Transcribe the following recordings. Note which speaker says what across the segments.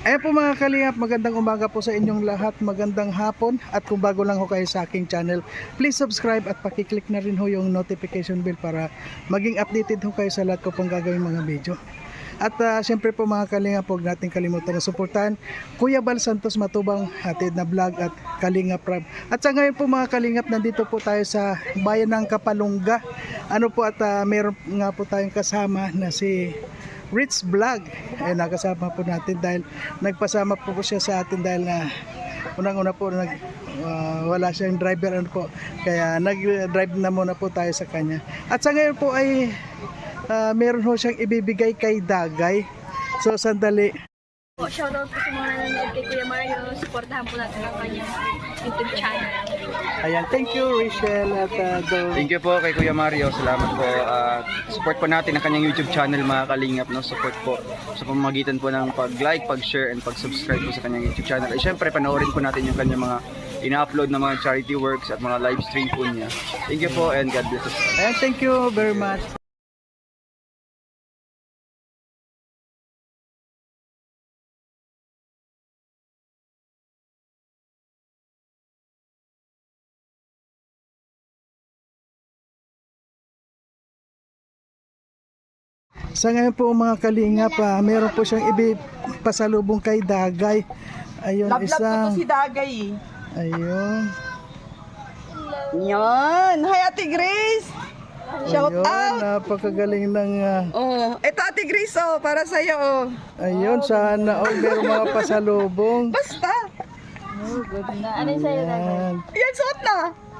Speaker 1: Ayan po mga kalingap, magandang umaga po sa inyong lahat, magandang hapon. At kung bago lang ho kayo sa aking channel, please subscribe at pakiclick na rin ho yung notification bell para maging updated ho kayo sa lahat ko pong gagawin mga video. At syempre po mga kalingap, huwag natin kalimutan na suportahan Kuya Bal Santos Matubang, hatid na vlog at Kalingap Rab. At sa ngayon po mga kalingap, nandito po tayo sa bayan ng Kapalungga. Ano po at meron nga po tayong kasama na si Rich Vlog. Ay nakasama po natin dahil nagpasama po siya sa atin dahil na unang-una po wala siyang driver ano po. Kaya nag-drive na muna po tayo sa kanya. At sa ngayon po ay meron ho siyang ibibigay kay Dagay. So sandali.
Speaker 2: Shoutout po sa mga nanonood kay Kuya Mario. Supportahan po natin ang kanyang YouTube channel.
Speaker 1: Ayan, thank you Rachel at
Speaker 3: Thank you po kay Kuya Mario. Salamat po. Support po natin ang kanyang YouTube channel mga kalingap. No? Support po sa pamamagitan po ng pag-like, pag-share, and pag-subscribe po sa kanyang YouTube channel. At syempre, panoorin po natin yung kanyang mga ina-upload na mga charity works at mga live stream po niya. Thank you po and God bless us.
Speaker 1: Ayan, thank you very much. Sa ngayon po mga kalingap, meron po siyang pasalubong kay Dagay. Ayun,
Speaker 4: Love ko to si Dagay.
Speaker 1: Ayun.
Speaker 4: Yan. Hi, Ate Grace. Shout
Speaker 1: Ayun,
Speaker 4: out.
Speaker 1: napakagaling ng
Speaker 4: Oh, ito Ate Grace oh, para sa iyo.
Speaker 1: ayun, sana all meron mga pasalubong.
Speaker 4: Basta.
Speaker 2: Ano yung sa'yo, Dagay?
Speaker 1: Ayan.
Speaker 4: Yan suot na.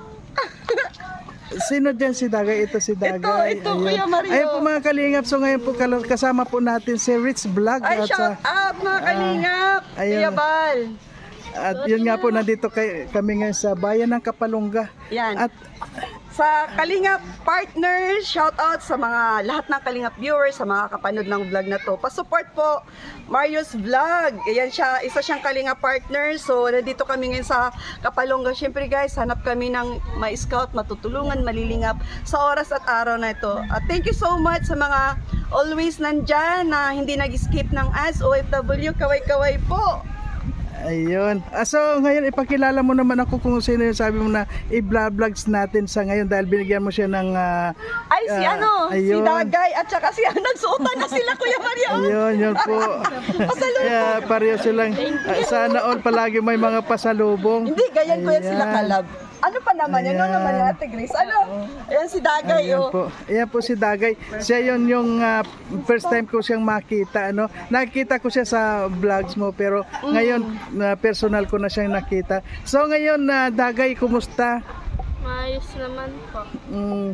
Speaker 1: Sino dyan si Dagay? Ito si Dagay.
Speaker 4: Ito,
Speaker 1: Ayun.
Speaker 4: Kuya Mario.
Speaker 1: Ayun po mga kalingap. So ngayon po kasama po natin si Rich Vlog.
Speaker 4: Ay,
Speaker 1: At,
Speaker 4: shout out mga kalingap.
Speaker 1: ayun.
Speaker 4: Kuya Bal.
Speaker 1: at yun nga po, nandito kami ngayon sa bayan ng Kapalungga.
Speaker 4: Yan.
Speaker 1: At
Speaker 4: Sa Kalingap partners, shout out sa mga lahat ng Kalingap viewers, sa mga kapanood ng vlog na to. Pa-support po Mario's Vlog. Ayan siya, isa siyang Kalingap partner. So, nandito kami ngayon sa Kapalungga. Siyempre guys, hanap kami ng ma-scout, matutulungan, malilingap sa oras at araw na ito. At thank you so much sa mga always nandyan na hindi nag-skip ng ads. OFW, kaway-kaway po.
Speaker 1: ayun. So ngayon ipakilala mo naman ako kung sino yung sabi mo na i-vlogs natin sa ngayon dahil binigyan mo siya ng
Speaker 4: Ay, si si
Speaker 1: ayun.
Speaker 4: Dagay at saka si nagsuotan na sila, Kuya Mario.
Speaker 1: Ayun, yun po. Kaya pareho silang sana all palagi may mga pasalubong.
Speaker 4: Hindi, ganyan ko yan
Speaker 1: Ayan.
Speaker 4: sila kalab. Ano pa naman yan? Ano
Speaker 1: Ayan.
Speaker 4: naman yan, Ate Grace? Ano? Ayan si Dagay,
Speaker 1: Ayan
Speaker 4: oh.
Speaker 1: po. Ayan po si Dagay. Siya yun yung first time ko siyang makita. Ano? Nakita ko siya sa vlogs mo pero ngayon personal ko na siyang nakita. So ngayon Dagay, kumusta?
Speaker 2: Maayos naman po.
Speaker 1: Mm,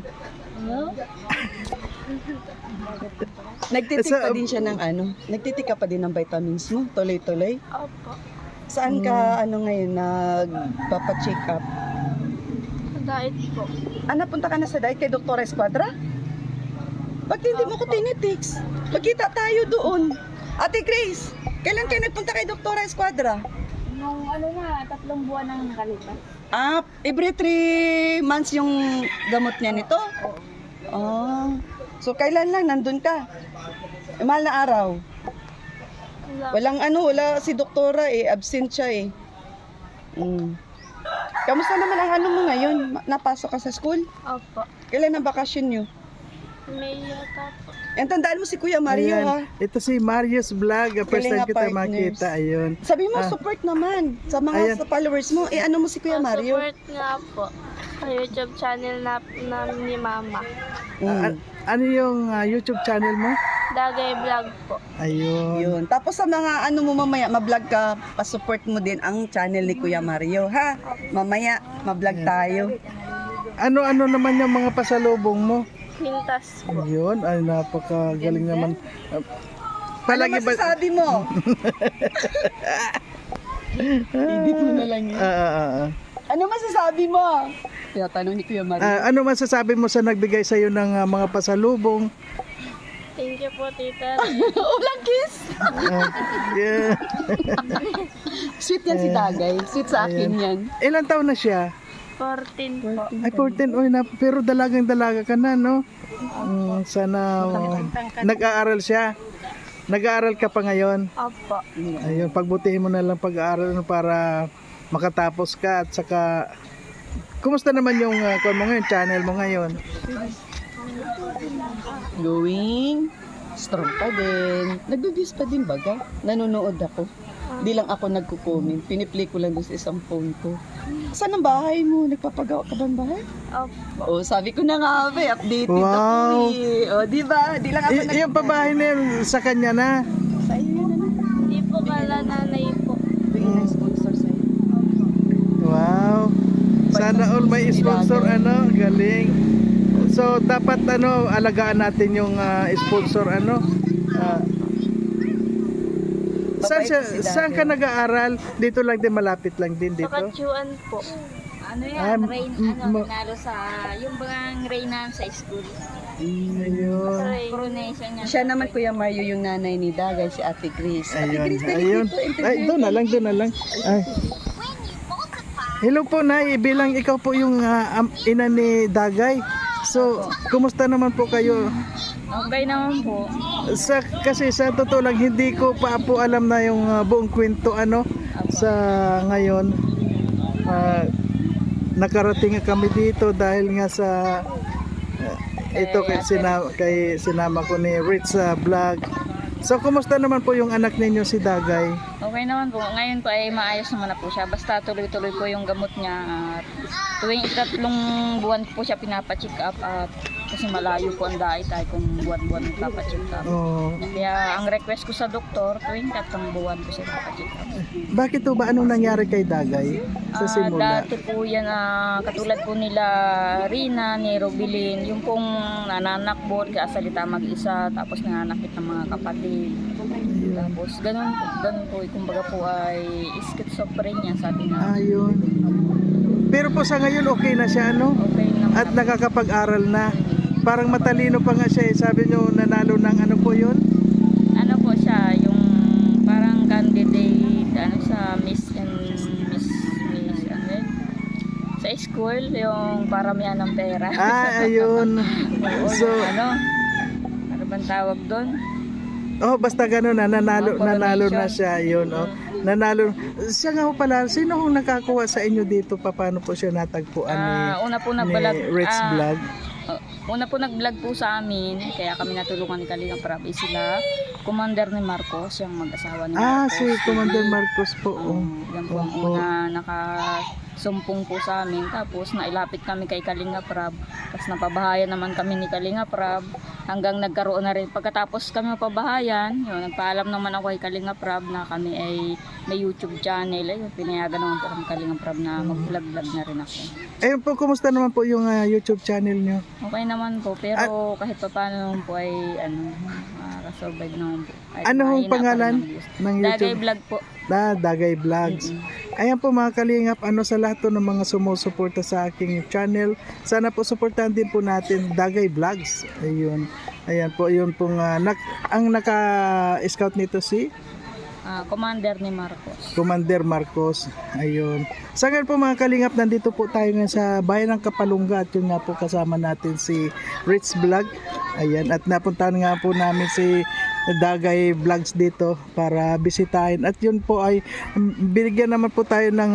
Speaker 4: Nagtitik
Speaker 1: Sa-
Speaker 4: pa din siya ng ano? Nagtitik ka pa din ng vitamins mo? Tuloy-tuloy?
Speaker 2: Opo.
Speaker 4: Saan ka, ngayon, nagpapacheck up?
Speaker 2: Diet po.
Speaker 4: Napunta ka na sa diet kay Dr. Esquadra? Ba't hindi mo ko tinitiks? Magkita tayo doon. Ate Grace, kailan kayo nagpunta kay Dr. Esquadra?
Speaker 2: Nung 3 buwan nang nakalipas.
Speaker 4: Every 3 months yung gamot niya nito? Oh. So, kailan lang nandun ka? Mahal na araw? Wala si doktora absent siya Kamusta naman ang mo ngayon? Napasok ka sa school?
Speaker 2: Opo.
Speaker 4: Kailan ang bakasyon nyo?
Speaker 2: May yata po.
Speaker 4: Tandaan mo si Kuya Mario,
Speaker 1: ayan.
Speaker 4: ha?
Speaker 1: Ito si Marius Vlog. First time
Speaker 4: Kalinga
Speaker 1: kita
Speaker 4: partners.
Speaker 1: makita. Ayun.
Speaker 4: Sabi mo, support naman sa mga
Speaker 1: Ayan.
Speaker 4: sa followers mo. Ano mo si Kuya Mario?
Speaker 2: Support nga po sa YouTube channel na ni Mama.
Speaker 1: Ano yung YouTube channel mo?
Speaker 2: Dagay Vlog po.
Speaker 1: Ayun.
Speaker 4: Yun. Tapos sa mga mo mamaya, ma-vlog ka, pa-support mo din ang channel ni Kuya Mario, ha? Mamaya, ma-vlog tayo.
Speaker 1: Ano naman yung mga pasalubong mo?
Speaker 2: Mintas po.
Speaker 1: Ayun, ay napakagaling naman.
Speaker 4: Ano masasabi mo? Edit mo na lang yun. Ano masasabi mo? Kaya tanong ni Kuya Mario.
Speaker 1: Ano masasabi mo sa nagbigay sa iyo ng mga pasalubong?
Speaker 2: Thank you po, tita.
Speaker 4: Ulang kiss!
Speaker 1: Yeah.
Speaker 4: Sweet yan si Dagay. Sweet sa akin yan.
Speaker 1: Ilan taon na siya?
Speaker 2: 14 po.
Speaker 1: Ay, 14. Oy, pero dalagang dalaga ka na, no? Sana nag-aaral siya. Nag-aaral ka pa ngayon.
Speaker 2: Opo.
Speaker 1: Ayun, pagbutihin mo na lang pag-aaral mo para makatapos ka at saka kumusta naman yung kung mo ngayon, channel mo ngayon?
Speaker 4: Going strong pa din. Nagbe-views pa din baga. Nanonood ako. Di lang ako nagko-comment. Piniplay ko lang doon sa isang phone ko. Saan ang bahay mo? Nagpapagawa ka ba ng bahay?
Speaker 2: Opo.
Speaker 4: Oh, sabi ko na nga, updated
Speaker 1: Wow.
Speaker 4: ako eh. Oh, di ba? Di lang ako
Speaker 1: Yung pabahay na yun, sa kanya na.
Speaker 4: Sa iyo na lang.
Speaker 2: Hindi po pala nanay po.
Speaker 4: Bigyan ng sponsor sa iyo.
Speaker 1: Wow. Sana all may sponsor, ano, galing. So dapat ano, alagaan natin yung sponsor, ano. Saan ka nag-aaral? Dito lang din, malapit lang din
Speaker 2: Sa
Speaker 1: dito.
Speaker 2: Katyuan po.
Speaker 5: Ano
Speaker 1: Ah,
Speaker 5: yan, rain,
Speaker 1: ma-
Speaker 5: nanalo sa, yung bang Reyna sa school.
Speaker 1: Ayun.
Speaker 5: Coronation niya.
Speaker 4: Siya naman, Kuya Mario, yung nanay ni Dagay, si Ate Grace. Ate
Speaker 1: Ayun,
Speaker 4: Grace, dali
Speaker 1: ayun.
Speaker 4: dito, interview
Speaker 1: Ay, doon na lang, doon na lang. Ay. Hello po, Nay. Bilang ikaw po yung ina ni Dagay. So, kumusta naman po kayo?
Speaker 5: Okay naman po.
Speaker 1: Kasi sa totoo lang, hindi ko pa po alam na yung buong kwento, ano, sa ngayon. Nakarating nga kami dito dahil nga sa ito kay sinama ko ni Rich sa vlog. So, kumusta naman po yung anak ninyo si Dagay?
Speaker 5: Okay naman po. Ngayon po ay maayos naman na po siya. Basta tuloy-tuloy po yung gamot niya. At tuwing 3 buwan po siya pinapacheck up. At kasi malayo po ang dahil tayo kung buwan-buwan nagpapacheck up.
Speaker 1: Oh,
Speaker 5: Kaya ang request ko sa doktor, tuwing 3 buwan po siya papacheck up.
Speaker 1: bakit po ba anong nangyari kay Dagay sa simula?
Speaker 5: Dati po yan, katulad po nila Rina, ni Robilin, yung pong nananakbot, kaya salita mag-isa, tapos nananakit ng mga kapatid. Tapos ganun po, kumbaga po ay schizophrenia sabi na.
Speaker 1: Ayun. Pero po sa ngayon okay na siya, ano?
Speaker 5: Okay naman.
Speaker 1: At nakakapag-aral na. Parang matalino pa nga siya, eh. Sabi nyo nanalo ng ano po yun?
Speaker 5: Ano po siya, yung parang candidate, ano sa Miss ano yun? Sa school, yung paramihan ng pera.
Speaker 1: Ayun. So,
Speaker 5: ano bang tawag doon?
Speaker 1: oh, basta gano'n na, nanalo na siya, yun, oh. Nanalo. Siya nga po pala, sino hong nakakuha sa inyo dito? Paano po siya natagpuan
Speaker 5: Una po
Speaker 1: ni
Speaker 5: nag-vlog.
Speaker 1: Rich Vlog?
Speaker 5: Una po nag-vlog po sa amin, kaya kami natulungan ni Kalinga Prab. Sila, Commander ni Marcos, yung mag-asawa ni Marcos.
Speaker 1: Si Commander Marcos po. Oh.
Speaker 5: Yan po ang una nakasumpong po sa amin. Tapos nailapit kami kay Kalinga Prab. Tapos napabahayan naman kami ni Kalinga Prab. Hanggang nagkaroon na rin. Pagkatapos kami mapabahayan, yun, nagpaalam naman ako kay Kalinga Prab na kami ay may YouTube channel. Ayun, pinayagan naman po kami Kalinga Prab na mag-vlog-vlog na rin ako.
Speaker 1: Ayun po, kumusta naman po yung YouTube channel nyo?
Speaker 5: Okay naman po, pero kahit pa paano naman po ay survive naman po. Ay,
Speaker 1: Ano hong
Speaker 5: mahina pa
Speaker 1: pangalan
Speaker 5: rin ang views.
Speaker 1: ng
Speaker 5: Dagay
Speaker 1: YouTube?
Speaker 5: Vlog po.
Speaker 1: Dagay Vlogs. Ayan po mga kalingap, ano sa lahat to ng mga sumusuporta sa aking channel. Sana po suportahan din po natin Dagay Vlogs. Ayun. Ayan po, yun pong ang naka-scout nito si
Speaker 5: Commander ni Marcos.
Speaker 1: Commander Marcos. Ayun. Sa ngayon po mga kalingap, nandito po tayo ngayon sa bayan ng Kapalungga at yun nga po kasama natin si Rich Vlog. Ayan. At napuntahan nga po namin si Dagay Vlogs dito para bisitahin. At yun po ay binigyan naman po tayo ng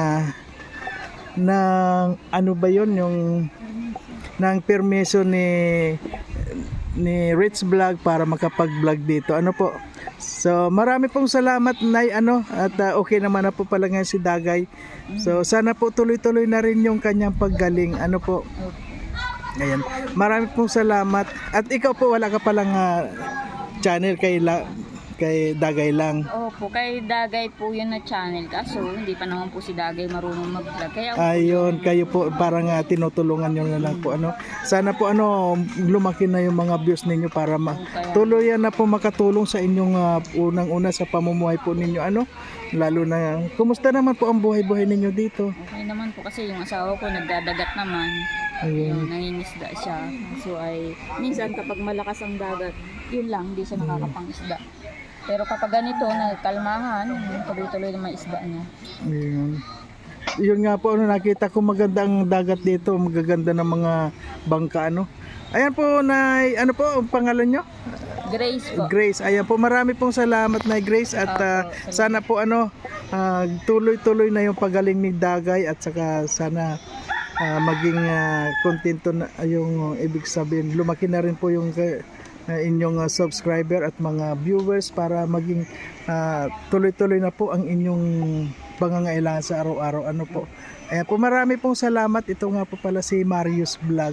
Speaker 1: ano ba yun, yung ng permiso ni Rich Vlog para makapag-vlog dito. Ano po? So, marami pong salamat, Nay, at okay naman na po pala ngayon si Dagay. So, sana po tuloy-tuloy na rin yung kanyang paggaling. Ano po? Ayan. Marami pong salamat. At ikaw po, wala ka palang channel kay Dagay lang.
Speaker 5: Opo, kay Dagay po yun na channel. Kaso, hindi pa naman po si Dagay marunong mag-vlog. Kaya,
Speaker 1: Ayun, kayo po parang tinutulungan nyo na lang po. Sana po lumaki na yung mga views ninyo para tuluyan na po makatulong sa inyong unang-una sa pamumuhay po ninyo. Lalo na, kumusta naman po ang buhay-buhay ninyo dito?
Speaker 5: okay naman po kasi yung asawa ko nagdadagat naman.
Speaker 1: Ayun.
Speaker 5: Nangingisda siya. So ay, minsan kapag malakas ang dagat, yun lang, hindi siya nakakapangisda. Pero kapag ganito, nagkalmahan, tuloy-tuloy na may isda niya.
Speaker 1: Ayun. Yun nga po, nakita ko maganda ang dagat dito, magaganda ng mga bangka, Ayan po, Nay, ano po ang pangalan nyo?
Speaker 5: Grace po.
Speaker 1: Grace. Ayan po, marami pong salamat na Grace at sana po tuloy-tuloy na yung pagaling ni Dagay at saka sana maging kontento na yung ibig sabihin. Lumaki na rin po yung inyong subscriber at mga viewers para maging tuloy-tuloy na po ang inyong pangangailangan sa araw-araw. Ano po. Ayan po, marami pong salamat. Ito nga po pala si Marius Vlog.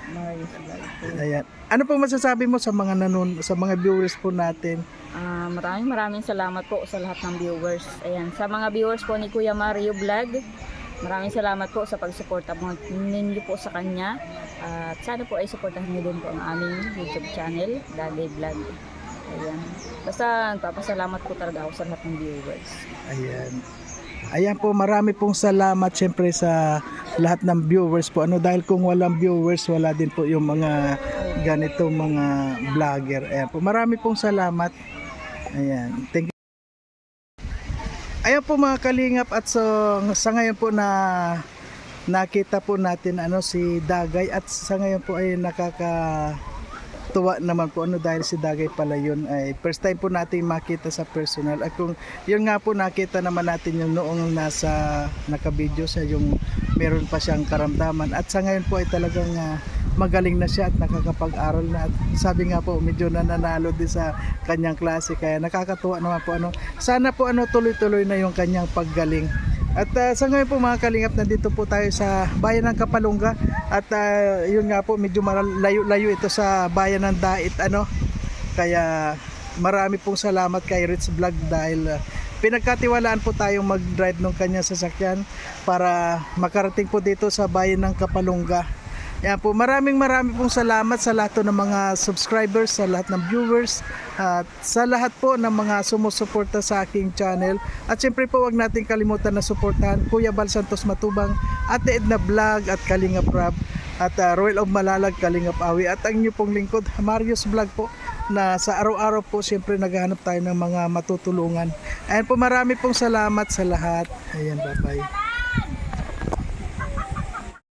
Speaker 1: Ayan. Ano po masasabi mo sa mga sa mga viewers po natin?
Speaker 5: Maraming salamat po sa lahat ng viewers. Ayan, sa mga viewers po ni Kuya Mario Vlog, maraming salamat po sa pagsuporta po ninyo po sa kanya. At sana po ay suportahan niyo din po ang aming YouTube channel, Dagay Vlog. Ayan. Basta nagpapasalamat po talaga ako sa lahat ng viewers.
Speaker 1: Ayan. Ayan po, marami pong salamat syempre sa lahat ng viewers po. Dahil kung walang viewers, wala din po yung mga ganito mga vlogger. Ayan po, marami pong salamat. Ayan. Thank you. Ayan po mga kalingap at sa ngayon po nakita po natin si Dagay at sa ngayon po ay nakakatuwa naman po dahil si Dagay pala yun ay first time po natin makita sa personal at kung yun nga po nakita naman natin yung noong nakabideo siya yung meron pa siyang karamdaman at sa ngayon po ay talagang magaling na siya at nakakapag-aral na at sabi nga po medyo nananalo din sa kanyang klase kaya nakakatuwa naman po sana po tuloy-tuloy na yung kanyang paggaling. At sa ngayon po mga kalingap, nandito po tayo sa bayan ng Kapalungga at yun nga po medyo layo ito sa bayan ng Dait kaya marami pong salamat kay Rich Vlog dahil pinagkatiwalaan po tayong mag-drive ng kanyang sasakyan para makarating po dito sa bayan ng Kapalungga. Yan po, maraming pong salamat sa lahat ng mga subscribers, sa lahat ng viewers, at sa lahat po ng mga sumusuporta sa aking channel. At siyempre po, wag natin kalimutan na suportahan Kuya Bal Santos Matubang, Ate Edna Vlog at Kalinga Prab, at Royal of Malalag, Kalinga Awi, at ang inyo pong lingkod, Marius Vlog po, na sa araw-araw po siyempre naghahanap tayo ng mga matutulungan. Ayan po, marami pong salamat sa lahat. Ayan, bye-bye.